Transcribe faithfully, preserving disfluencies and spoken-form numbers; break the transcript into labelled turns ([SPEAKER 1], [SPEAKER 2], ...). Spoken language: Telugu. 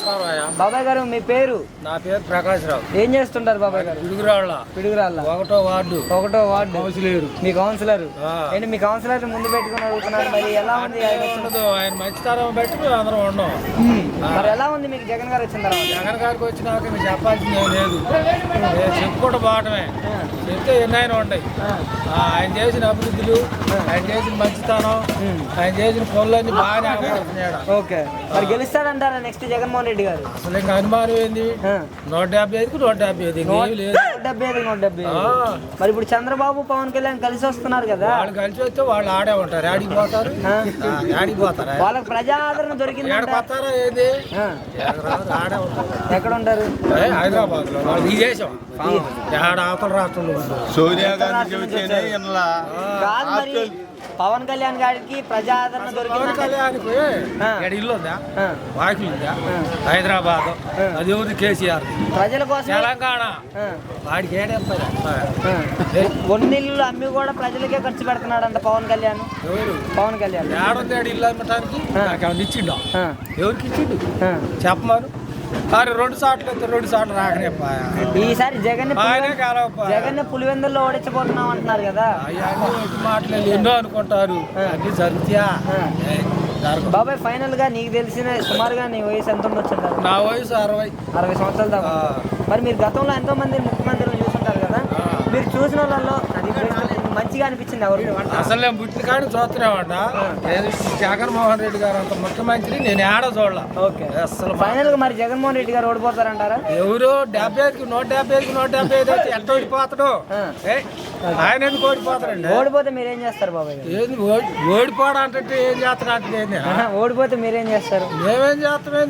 [SPEAKER 1] బాబాయ్ గారు మీ పేరు?
[SPEAKER 2] నా పేరు ప్రకాష్ రావు.
[SPEAKER 1] ఏం చేస్తుంటారు బాబాయ్ గారు?
[SPEAKER 2] పిడుగురాళ్ళ
[SPEAKER 1] పిడుగురాళ్ళ
[SPEAKER 2] ఒకటో వార్డు
[SPEAKER 1] ఒకటో వార్డు
[SPEAKER 2] కౌన్సిలర్.
[SPEAKER 1] మీ కౌన్సిలర్
[SPEAKER 2] ఆ.
[SPEAKER 1] ఏంటి మీ కౌన్సిలర్ ముందు పెట్టుకుని అడుగుతున్నారు, మరి ఎలా ఉంది ఆయన వచ్చిన-
[SPEAKER 2] ఉండదు, ఆయన మంచితనం బట్టి మేము అందరం ఉన్నాం.
[SPEAKER 1] ఉమ్. మరి ఎలా ఉంది మీకు జగన్ గారు వచ్చిన తర్వాత?
[SPEAKER 2] జగన్ గారికి వచ్చినాక మీకు చెప్పాల్సింది ఏం లేదు, నేను చెప్పుకుంటూ పోవటమే. చెప్తే ఎన్నైనా ఉన్నాయి. ఆ, ఆయన చేసిన అభివృద్ధులు, ఆయన చేసిన మంచితనం, ఆయన చేసిన పనులన్నీ బాగానే అమలుతున్నాడు.
[SPEAKER 1] ఓకే, మరి గెలుస్తాడంటారా నెక్స్ట్ జగన్మోహన్ రెడ్డి గారు?
[SPEAKER 2] అసలు ఇంకా అనుమానం ఏంది?
[SPEAKER 1] ఆ.
[SPEAKER 2] నూట డెబ్బై ఐదుకు నూట డెబ్బై ఐదు ఇంకేమీ లేదు.
[SPEAKER 1] నూట డెబ్బై ఐదు నూట డెబ్బై ఐదు.
[SPEAKER 2] ఆ.
[SPEAKER 1] మరి ఇప్పుడు చంద్రబాబు పవన్ కళ్యాణ్ కలిసి వస్తున్నారు కదా,
[SPEAKER 2] వాళ్ళు కలిసి వస్తే వాళ్ళు ఆడే ఉంటారు. ఆడికి పోతారు,
[SPEAKER 1] ఆ.
[SPEAKER 2] ఆడికి పోతారా?
[SPEAKER 1] వాళ్ళకి ప్రజా ఆదరణ దొరికిందంట.
[SPEAKER 2] ఏడకి వస్తారా ఏది?
[SPEAKER 1] ఆ.
[SPEAKER 2] ఎక్కడరాదు, ఆడే ఉంటారు.
[SPEAKER 1] ఎక్కడ ఉంటారు?
[SPEAKER 2] ఏ, హైదరాబాద్ లో వాళ్ళు ఈ దేశం ఏడ అవతల రాష్ట్రంలో ఉంటారు.
[SPEAKER 3] సోనియా గాంధీ చెబితేనే ఇన్లా.
[SPEAKER 1] కాదు మరి పవన్ కళ్యాణ్ గారికి ప్రజా ఆదరణ
[SPEAKER 2] పవన్
[SPEAKER 1] దొరికిందంట.
[SPEAKER 2] కళ్యాణ్కి
[SPEAKER 1] ఆ.
[SPEAKER 2] ఇక్కడ ఇల్లు ఉందా,
[SPEAKER 1] ఆ.
[SPEAKER 2] వాకిల్ ఉందా?
[SPEAKER 1] ఆ.
[SPEAKER 2] హైదరాబాద్
[SPEAKER 1] ఆ.
[SPEAKER 2] అది ఎవరు? కేసీఆర్.
[SPEAKER 1] ప్రజల కోసం
[SPEAKER 2] తెలంగాణ వాడికి ఏడేస్తారు.
[SPEAKER 1] ఒన్నిళ్ళు అమ్మి కూడా ప్రజలకే ఖర్చు పెడుతున్నాడంట పవన్ కళ్యాణ్.
[SPEAKER 2] ఎవరు?
[SPEAKER 1] పవన్ కళ్యాణ్
[SPEAKER 2] ఏడుంది ఆడు ఇల్లు అమ్మటానికి?
[SPEAKER 1] ఆ.
[SPEAKER 2] నాకేమన్నా ఇచ్చిండు?
[SPEAKER 1] ఆ.
[SPEAKER 2] ఎవరికి ఇచ్చిండు
[SPEAKER 1] ఆ.
[SPEAKER 2] చెప్పమాను. కానీ రెండు సార్లు అయితే రెండు సార్లు రాకనే
[SPEAKER 1] ఈసారి జగన్
[SPEAKER 2] ఆయనే కాలవప్ప.
[SPEAKER 1] జగన్ పులివెందుల్లో ఓడించబోతున్నాం అంటున్నారు కదా.
[SPEAKER 2] అవన్నీ ఎటు మాటలు ఎన్నో అనుకుంటారు, అన్ని జరుగుతాయా?
[SPEAKER 1] ఆ.
[SPEAKER 2] ఏ, జరగవు.
[SPEAKER 1] బాబాయ్ ఫైనల్ గా నీకు తెలిసిన సుమారుగా నీ వయసు ఎంత ఉండొచ్చుంటారు?
[SPEAKER 2] నా వయసు అరవై.
[SPEAKER 1] అరవై సంవత్సరాల దాకా.
[SPEAKER 2] ఆ.
[SPEAKER 1] మరి మీరు గతంలో ఎంతో మంది ముఖ్యమంత్రులు చూసుంటారు కదా,
[SPEAKER 2] ఆ.
[SPEAKER 1] మీరు చూసిన వాళ్ళలో అది best, మంచిగా అనిపించింది ఎవరు?
[SPEAKER 2] అసలు నేను పుట్టిన కానీ చూస్తున్నామంట. ఏది జగన్మోహన్ రెడ్డి గారు అంత ముఖ్యమంత్రి నేను ఏడ చూడాల.
[SPEAKER 1] ఓకే,
[SPEAKER 2] అసలు
[SPEAKER 1] ఫైనల్ గా మరి జగన్మోహన్ రెడ్డి గారు ఓడిపోతారంటారా?
[SPEAKER 2] ఎవరు డెబ్బై ఐదుకి నూట డెబ్బై ఐదుకి నూట డెబ్బై ఐదు అయితే ఎంత ఓడిపోతాడు?
[SPEAKER 1] ఆ.
[SPEAKER 2] ఏ, ఆయన ఎందుకు ఓడిపోతాడండి?
[SPEAKER 1] ఓడిపోతే మీరేం చేస్తారు బాబాయ్ గారు?
[SPEAKER 2] ఏంది ఓడి- ఓడిపోవడం అంటే ఏం చేస్తాడు అంటే ఏంది?
[SPEAKER 1] ఆహా, ఓడిపోతే మీరేం చేస్తారు?
[SPEAKER 2] మేమేం చేస్తాం?